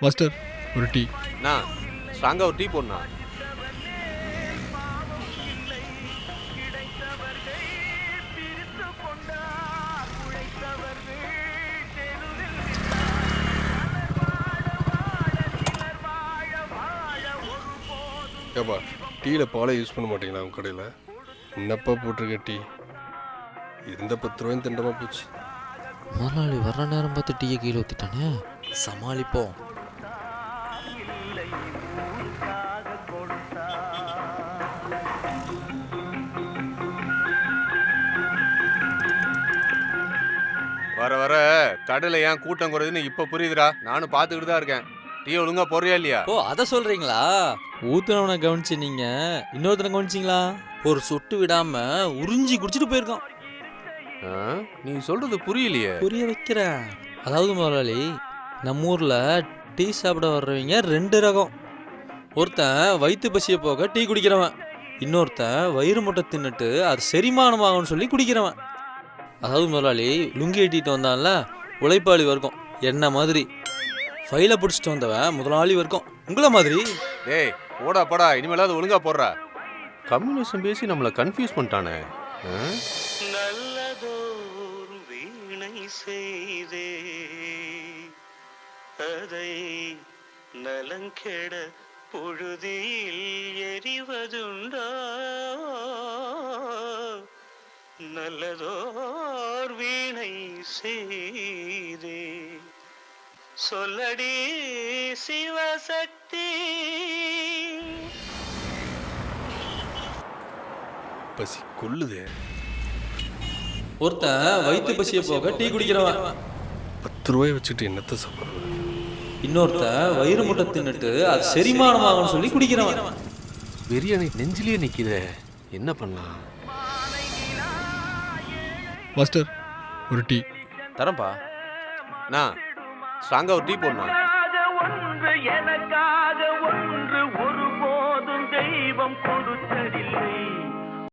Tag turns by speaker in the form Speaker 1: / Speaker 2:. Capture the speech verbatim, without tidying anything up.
Speaker 1: Master ஒரு tea.
Speaker 2: நான் ஸ்ட்ராங்காக ஒரு டீ போடணா.
Speaker 1: ஏப்பா டீயில் பாலை யூஸ் பண்ண மாட்டீங்களா உங்கள் கடையில்? என்னப்பா போட்டிருக்க டீ? இருந்த பத்து ரூபாயும் திண்டமாக போச்சு.
Speaker 3: முதலாளி வர்ற நேரம் பார்த்து டீயை கீழே ஊற்றிட்டானே, சமாளிப்போம்.
Speaker 2: வர வர கடையில் ஏன் கூட்டம் குறையுதுன்னு இப்போ புரியுதுடா. நானும் பார்த்துக்கிட்டு தான் இருக்கேன். டீ ஒழுங்கா போறியா இல்லையா?
Speaker 3: ஓ, அதை சொல்றீங்களா? ஊத்துனவனை கவனிச்சு நீங்க இன்னொருத்தனை கவனிச்சிங்களா? ஒரு சொட்டு விடாம உறிஞ்சி குடிச்சிட்டு போயிருக்கான்.
Speaker 2: ஆ, நீ சொல்றது புரியலையே.
Speaker 3: புரிய வைக்கிறேன். அதாவது முதலாளி, நம்ம ஊர்ல டீ சாப்பிட வர்றவங்க ரெண்டு ரகம். ஒருத்தன் வயிற்று பசியை போக டீ குடிக்கிறவன், இன்னொருத்தன் வயிறு முட்டை தின்னுட்டு அது செரிமானமாகும்னு சொல்லி குடிக்கிறவன். அதாவது முதலாளி, லுங்கி எட்டிட்டு வந்தான்ல உழைப்பாளி வர்க்கம் என்ன மாதிரி, ஃபைலை பிடிச்சிட்டு வந்தவன் முதலாளி வர்க்கம் உங்களை மாதிரி.
Speaker 2: டேய் போடா போடா, இனிமேலாவது ஒழுங்கா போடுறா. கம்யூனிசம் பேசி நம்மளை கன்ஃபியூஸ் பண்ணிட்டானே.
Speaker 4: நல்லதோர் வீணை செய்தே அதை நலங்கெட பொழுதில் எரிவதுண்டா. நல்லதோர் வீணை செய்தே சொல்லடி சிவசக்தி.
Speaker 1: பசி கொள்ளுதே.
Speaker 3: ஒருத்தன் வயிற்று பசியை போக டீ குடிக்கிறவன்,
Speaker 1: பத்து ரூபாய் வச்சுட்டு என்னத்தை சாப்பிட்றது?
Speaker 3: இன்னொருத்தன் வயிறு முட்டை தின்னுட்டு அது செரிமானமாகும்னு சொல்லி குடிக்கிறவன்.
Speaker 2: பிரியாணி நெஞ்சிலேயே நிற்கிதே, என்ன பண்ணலாம்?
Speaker 1: மாஸ்டர் ஒரு டீ.
Speaker 2: தரேன்ப்பா. நான் ஸ்ட்ராங்காக ஒரு டீ போடணும்.
Speaker 4: ஒன்று எனக்கா